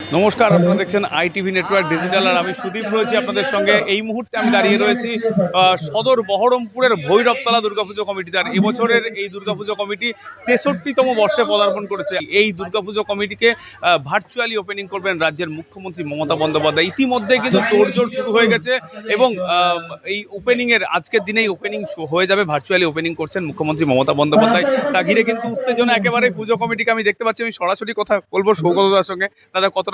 নমস্কার, আপনারা দেখছেন আইটিভি নেটওয়ার্ক ডিজিটাল আর আমি সুদীপ রয়েছি আপনাদের সঙ্গে। এই মুহূর্তে আমি দাঁড়িয়ে রয়েছি সদর বহরমপুরের ভৈরবতলা দুর্গাপুজো কমিটিতে। আর এবছরের এই দুর্গাপুজো কমিটি 63তম বর্ষে পদার্পণ করেছে। এই দুর্গাপুজো কমিটিকে ভার্চুয়ালি ওপেনিং করবেন রাজ্যের মুখ্যমন্ত্রী মমতা বন্দ্যোপাধ্যায়। ইতিমধ্যে কিন্তু তোড়জোড় শুরু হয়ে গেছে এবং এই ওপেনিংয়ের আজকের দিনেই ওপেনিং হয়ে যাবে। ভার্চুয়ালি ওপেনিং করছেন মুখ্যমন্ত্রী মমতা বন্দ্যোপাধ্যায়। তা ঘিরে কিন্তু উত্তেজনা একেবারে পুজো কমিটিকে আমি দেখতে পাচ্ছি। আমি সরাসরি কথা বলবো সৌগতদার সঙ্গে। দাদা, কতটা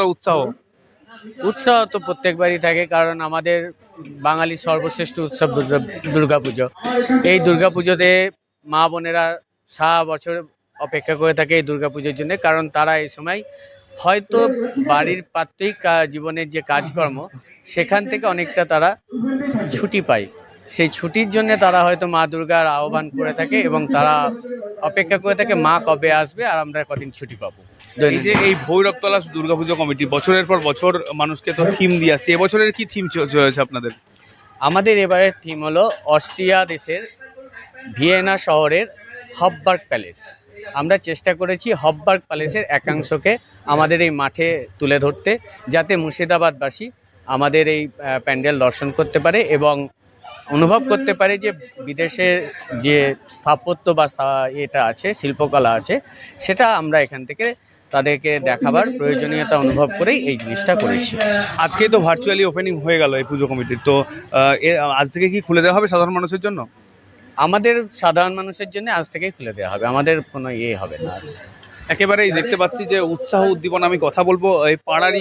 উৎসাহ তো প্রত্যেকবারই থাকে, কারণ আমাদের বাঙালির সর্বশ্রেষ্ঠ উৎসব দুর্গাপুজো। এই দুর্গাপুজোতে মা বোনেরা সারা বছর অপেক্ষা করে থাকে এই দুর্গাপুজোর জন্য, কারণ তারা এই সময় হয়তো বাড়ির প্রাত্যহিক জীবনের যে কাজকর্ম সেখান থেকে অনেকটা তারা ছুটি পায়। সেই ছুটির জন্য তারা হয়তো মা দুর্গার আহ্বান করে থাকে এবং তারা অপেক্ষা করে থাকে মা কবে আসবে আর আমরা কদিন ছুটি পাবো। এই যে এই ভৈরবতলা দুর্গাপুজো কমিটি বছরের পর বছর মানুষকে তো থিম দিয়ে আসছে, এবছরের কি থিম চলেছে আপনাদের? আমাদের এবারের থিম হলো অস্ট্রিয়া দেশের ভিয়েনা শহরের হফবার্গ প্যালেস। আমরা চেষ্টা করেছি হফবার্গ প্যালেসের একাংশকে আমাদের এই মাঠে তুলে ধরতে, যাতে মুর্শিদাবাদবাসী আমাদের এই প্যান্ডেল দর্শন করতে পারে এবং অনুভব করতে পারে যে বিদেশের যে স্থাপত্য বা এটা আছে, শিল্পকলা আছে, সেটা আমরা এখান থেকে তাদেরকে দেখাবার প্রয়োজনীয়তা অনুভব করেই এই জিনিসটা করেছি। আজকেই তো ভার্চুয়ালি ওপেনিং হয়ে গেল এই পুজো কমিটির, তো আজ থেকে কি খুলে দেওয়া হবে সাধারণ মানুষের জন্য? আমাদের সাধারণ মানুষের জন্য আজ থেকেই খুলে দেওয়া হবে, আমাদের কোনো হবে না। একেবারেই দেখতে পাচ্ছি যে উৎসাহ উদ্দীপনা। আমি কথা বলবো এই পাড়ারই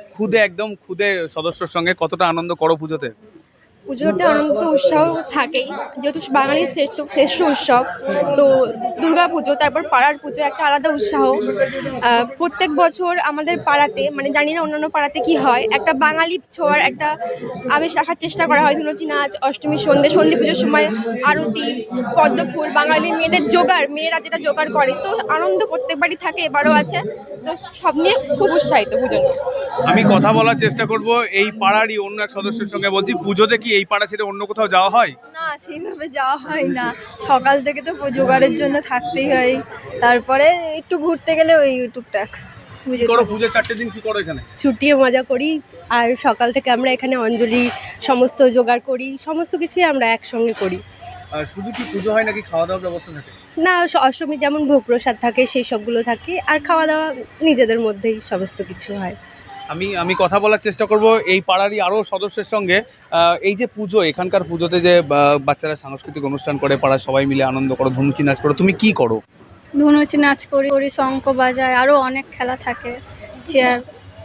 খুদে সদস্যর সঙ্গে। কতটা আনন্দ করো পুজোতে? পুজোতে আনন্দ উৎসাহ থাকেই, যেহেতু বাঙালির শ্রেষ্ঠ উৎসব তো দুর্গা পুজো, তারপর পাড়ার পুজো একটা আলাদা উৎসাহ। প্রত্যেক বছর আমাদের পাড়াতে, মানে জানি না অন্যান্য পাড়াতে কি হয়, একটা বাঙালি ছোঁয়ার একটা আবেশ রাখার চেষ্টা করা হয়। ধুনুচি নাচ, অষ্টমীর সন্ধি পুজোর সময় আরতি, পদ্মফুল, বাঙালির মেয়েদের মেয়েরা যেটা জোগাড় করে, তো আনন্দ প্রত্যেকবারই থাকে, এবারও আছে। তো সব নিয়ে খুব উৎসাহিত পুজো নিয়ে। আমি কথা বলার চেষ্টা করব এই পাড়ারই অন্য এক সদস্যের সঙ্গে। বলছি, পুজোতে কি এই পাড়া ছেড়ে অন্য কোথাও যাওয়া হয়? না, সেইভাবে যাওয়া হয় না। সকাল থেকে তো জোগাড়ের জন্য থাকতেই হয়, তারপরে একটু ঘুরতে গেলে ওই টুকটাক। পুজোর 4টে দিন কি করো এখানে? ছুটিয়ে মজা করি, আর সকাল থেকে আমরা এখানে অঞ্জলি সমস্ত জোগাড় করি, সমস্ত কিছুই আমরা একসঙ্গে করি। শুধু কি পুজো হয় নাকি খাওয়া দাওয়ার ব্যবস্থা থাকে? না, অষ্টমী যেমন ভোগ প্রসাদ থাকে সেই সবগুলো থাকে, আর খাওয়া দাওয়া নিজেদের মধ্যেই সমস্ত কিছু হয়। আমি কথা বলার চেষ্টা করব এই পাড়ারই আরও সদস্যের সঙ্গে। এই যে পুজো, এখানকার পুজোতে যে বাচ্চারা সাংস্কৃতিক অনুষ্ঠান করে, পাড়ার সবাই মিলে আনন্দ করো, ধুনুচি নাচ করো, তুমি কি করো? ধনুচি নাচ করি, শঙ্খ বাজায়, আরও অনেক খেলা থাকে, চেয়ার।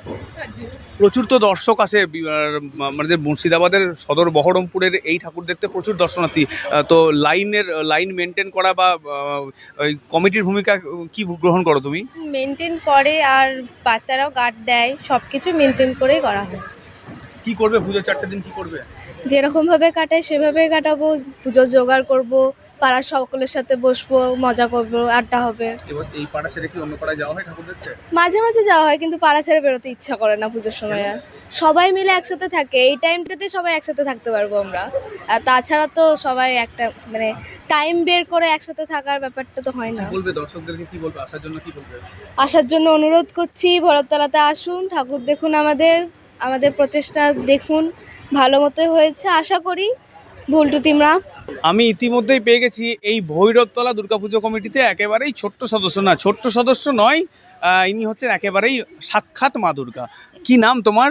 প্রচুর তো দর্শক আসে, আমাদের মুর্শিদাবাদের সদর বহরমপুরের এই ঠাকুর দেখতে প্রচুর দর্শনার্থী। তো লাইন মেনটেন করা বা ওই কমিটির ভূমিকা কি গ্রহণ করো তুমি? মেনটেন করে, আর বাচ্চারাও গার্ড দেয়, সব কিছু মেনটেন করেই করা হয়। কি করবে পুজোর 4টে দিন, কি করবে? যেরকমভাবে কাটায় সেভাবেই কাটাবো, পুজোর জোগাড় করবো, পাড়ার সকলের সাথে বসবো, মজা করবো, আড্ডা হবে। এবার এই পাড়া ছেড়ে কি অন্য পাড়ায় যাওয়া হয় ঠাকুর দেখতে? মাঝে মাঝে যাওয়া হয়, কিন্তু পাড়া ছেড়ে বেরোতে ইচ্ছা করে না পুজোর সময়। আর সবাই মিলে একসাথে থাকে, এই টাইমটাতে সবাই একসাথে থাকতে পারবো আমরা। আর তাছাড়া তো সবাই একটা মানে টাইম বের করে একসাথে থাকার ব্যাপারটা তো হয় না। বলবে দর্শকদেরকে, কি বলবে আসার জন্য, কি বলবে? আসার জন্য অনুরোধ করছি, ভৈরবতলাতে আসুন, ঠাকুর দেখুন, আমাদের প্রচেষ্টা দেখুন, ভালো মতো হয়েছে আশা করি, ভুল টুটিমরা। আমি ইতিমধ্যেই পেয়ে গেছি এই ভৈরবতলা দুর্গাপুজো কমিটিতে একেবারেই ছোট্ট সদস্য নয়, ইনি হচ্ছেন একেবারেই সাক্ষাৎ মা দুর্গা। কি নাম তোমার?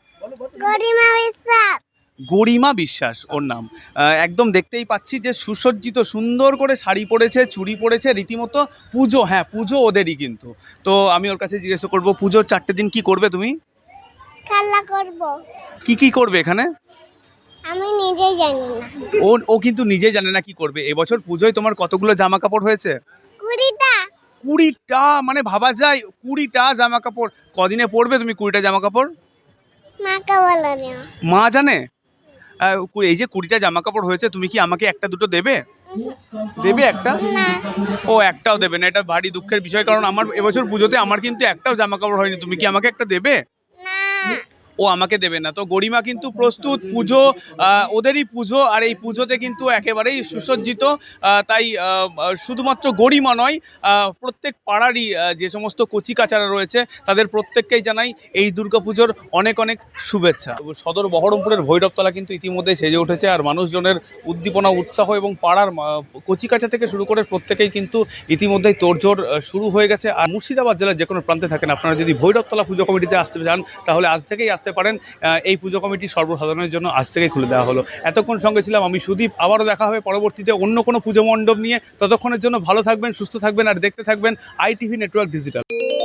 গরিমা বিশ্বাস ওর নাম। একদম দেখতেই পাচ্ছি যে সুসজ্জিত, সুন্দর করে শাড়ি পরেছে, চুড়ি পরেছে, রীতিমতো পুজো। হ্যাঁ, পুজো ওদেরই কিন্তু। তো আমি ওর কাছে জিজ্ঞেস করবো, পুজোর 4টে দিন কি করবে তুমি? খেলা করব। কি করবে এখানে? আমি নিজেই জানি না। ও কিন্তু নিজেই জানে না কি করবে। এবছর পুজোয় তোমার কতগুলো জামা কাপড় হয়েছে? 20টা। 20টা? মানে ভাবা যায়, 20টা জামা কাপড়। কদিনে পরবে তুমি 20টা জামা কাপড়? মাকে বলো না। মা জানে। এই যে 20টা জামা কাপড় হয়েছে, তুমি কি আমাকে একটা দুটো দেবে? দেবে একটা? ও একটাও দেবে না, এটা ভারী দুঃখের বিষয়। কারণ আমার এবছর পুজোতে আমার কিন্তু একটাও জামা কাপড় হয়নি। তুমি কি আমাকে একটা দেবে? না। ও আমাকে দেবে না। তো গরিমা কিন্তু প্রস্তুত, পুজো ওদেরই পুজো, আর এই পুজোতে কিন্তু একেবারেই সুসজ্জিত। তাই শুধুমাত্র গরিমা নয়, প্রত্যেক পাড়ারই যে সমস্ত কচিকাচারা রয়েছে তাদের প্রত্যেককেই জানাই এই দুর্গাপুজোর অনেক অনেক শুভেচ্ছা। সদর বহরমপুরের ভৈরবতলা কিন্তু ইতিমধ্যে সেজে উঠেছে, আর মানুষজনের উদ্দীপনা, উৎসাহ এবং পাড়ার কচিকাচা থেকে শুরু করে প্রত্যেকেই কিন্তু ইতিমধ্যেই তোড়জোড় শুরু হয়ে গেছে। আর মুর্শিদাবাদ জেলার যে কোনো প্রান্তে থাকেন আপনারা, যদি ভৈরবতলা পুজো কমিটিতে আসতে চান তাহলে আজ থেকেই আসতে পারেন। এই পুজো কমিটি সর্বসাধারণের জন্য আজ থেকেই খুলে দেওয়া হলো। এতক্ষণ সঙ্গে ছিলাম আমি সুদীপ। আবারও দেখা হবে পরবর্তীতে অন্য কোনো পুজো মণ্ডপ নিয়ে। ততক্ষণের জন্য ভালো থাকবেন, সুস্থ থাকবেন, আর দেখতে থাকবেন ITV নেটওয়ার্ক ডিজিটাল।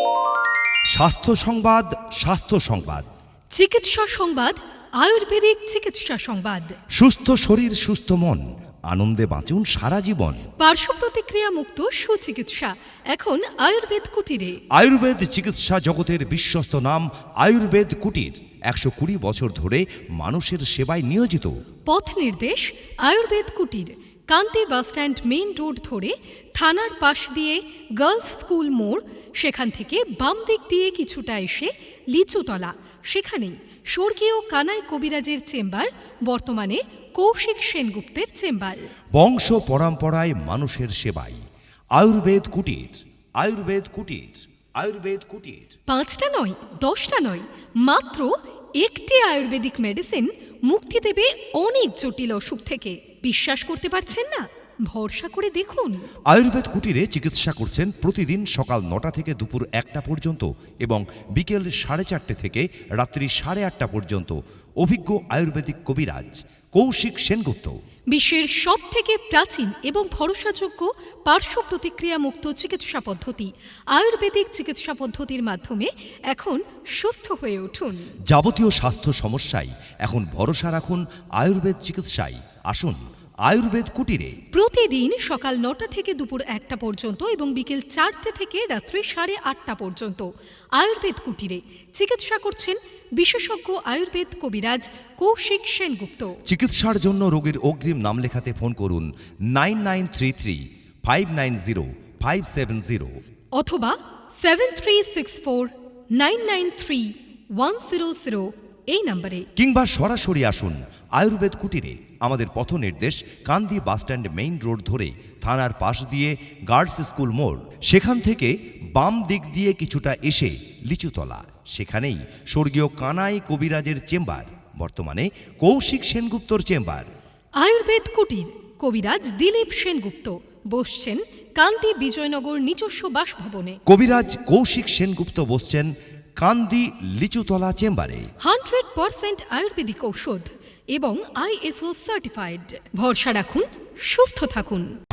স্বাস্থ্য সংবাদ, স্বাস্থ্য সংবাদ, চিকিৎসা সংবাদ, আয়ুর্বেদিক চিকিৎসা সংবাদ। সুস্থ শরীর সুস্থ মন, আনন্দে বাঁচুন সারা জীবন। পার্শ্ব প্রতিক্রিয়া মুক্ত সুচিকিৎসা এখন আয়ুর্বেদ কুটিরে। আয়ুর্বেদ চিকিৎসা জগতের বিশ্বস্ত নাম আয়ুর্বেদ কুটির 120 বছর ধরে মানুষের সেবায় নিয়োজিত। পথ নির্দেশ আয়ুর্বেদ কুটির, কান্তি বাসস্ট্যান্ড মেইন রোড ধরে থানার পাশ দিয়ে গার্লস স্কুল মোড়, সেখান থেকে বাম দিক দিয়ে কিছুটা এসে লিচুতলা, সেখানেই স্বর্গীয় কানাই কবিরাজের চেম্বার, বর্তমানে কৌশিক সেনগুপ্তের চেম্বার। বংশ পরম্পরায় মানুষের সেবায় আয়ুর্বেদ কুটির, আয়ুর্বেদ কুটির, আয়ুর্বেদ কুটির। 5টা নয়, 10টা নয়, মাত্র একটি আয়ুর্বেদিক মেডিসিন মুক্তি দেবে অনেক জটিল অসুখ থেকে। বিশ্বাস করতে পারছেন না? ভরসা করে দেখুন। আয়ুর্বেদ কুটিরে চিকিৎসা করছেন প্রতিদিন সকাল 9টা থেকে দুপুর 1টা পর্যন্ত এবং বিকেল 4:30 থেকে রাত্রি 8:30 পর্যন্ত অভিজ্ঞ আয়ুর্বেদিক কবিরাজ কৌশিক সেনগুপ্ত। বিশ্বের সবথেকে প্রাচীন এবং ভরসাযোগ্য পার্শ্ব প্রতিক্রিয়া মুক্ত চিকিৎসা পদ্ধতি আয়ুর্বেদিক চিকিৎসা পদ্ধতির মাধ্যমে এখন সুস্থ হয়ে উঠুন। যাবতীয় স্বাস্থ্য সমস্যায় এখন ভরসা রাখুন আয়ুর্বেদ চিকিৎসায়। আসুন আয়ুর্বেদ কুটিরে। প্রতিদিন সকাল 9টা থেকে দুপুর 1টা পর্যন্ত এবং বিকেল 4টে থেকে রাত্রি 8:30 পর্যন্ত আয়ুর্বেদ কুটিরে চিকিৎসা করছেন বিশেষজ্ঞ আয়ুর্বেদ কবিরাজ কৌশিক সেনগুপ্ত। চিকিৎসার জন্য রোগীর অগ্রিম নাম লেখাতে ফোন করুন 9933590570 অথবা 7364993100 এই নম্বরে, কিংবা সরাসরি আসুন আয়ুর্বেদ কুটিরে। আমাদের পথ নির্দেশ কান্দি বাসস্ট্যান্ড মেইন রোড ধরে থানার পাশ দিয়ে গার্লস স্কুল মোড়, সেখান থেকে বাম দিক দিয়ে কিছুটা এসে লিচুতলা, সেখানেই স্বর্গীয় কানাই কবিরাজের চেম্বার, বর্তমানে কৌশিক সেনগুপ্তর চেম্বার। আয়ুর্বেদ কুটির, কবিরাজ দিলীপ সেনগুপ্ত বসছেন কান্দি বিজয়নগর নিজস্ব বাসভবনে। কবিরাজ কৌশিক সেনগুপ্ত বসছেন কান্দি লিচুতলা চেম্বারে। 100% আয়ুর্বেদিক ঔষধ এবং ISO সার্টিফাইড। ভরসা রাখুন, সুস্থ থাকুন।